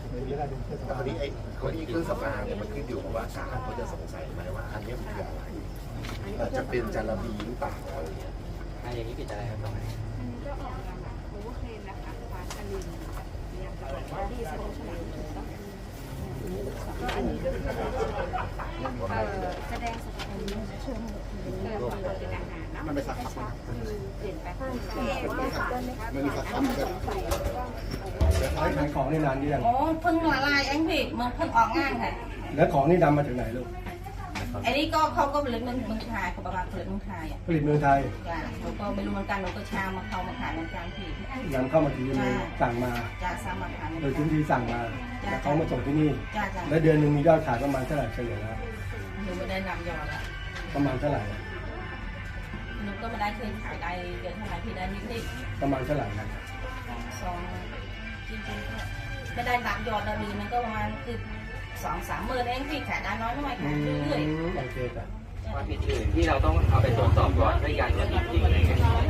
แต่คนนี้เครื่องสำอางเนี่ยมันขึ้นอยู่กับว่าศาลเขาจะสงสัยไหมว่าอันนี้มันคืออะไรอาจจะเป็นจาระบีหรือเปล่าอะไรอย่างเงี้ยอย่างนี้ผิดอะไรครับตรงไหนอันนี้ก็ออกมาแบบโอเวอร์เคลมนะคะฟ้าชลินเนี่ยจะบอกว่าที่โซเชียลถูกต้องก็อันนี้ก็คือแสดงสถานีเชิงเป็นอาหารเนาะมันเป็นสักคำคือเปลี่ยนแปลงมันมีสักคำแบบขายของนี่นานยังโอ้เพิ่งละลายเองพี่มันเพิ่งออกงานค่ะแล้วของนี่นำมาจากไหนลูกไอ้นี่ก็เขาก็ผลิตเมืองไทยเขาประมาณผลิตเมืองไทยอ่ะผลิตเมืองไทยจ้ะเราก็ไม่รู้เหมือนกันเราก็ชามาเขามาขายเหมือนกันพี่นำเข้ามาที่นี่สั่งมาจ้ะสั่งมาขายโดยทุนที่สั่งมาแล้วเขามาส่งที่นี่จ้ะจ้ะแล้วเดือนหนึ่งมียอดขายประมาณเท่าไหร่เฉลี่ยแล้วหนูไม่ได้นำยอดละประมาณเท่าไหร่หนูก็ไม่ได้เคยขายได้เดือนเท่าไหร่พี่ได้นิดประมาณเท่าไหร่นะๆจริงๆก็ไม่ได้นับยอดนะดีมันก็ประมาณคือ2-3 หมื่นเองพี่ขายได้น้อยๆค่ะเรื่อยๆโอเคจ้ะว่าผิดอื่นที่เราต้องเอาไปตรวจสอบก่อนด้วยการตรวจจริงๆอะไรเงี้ย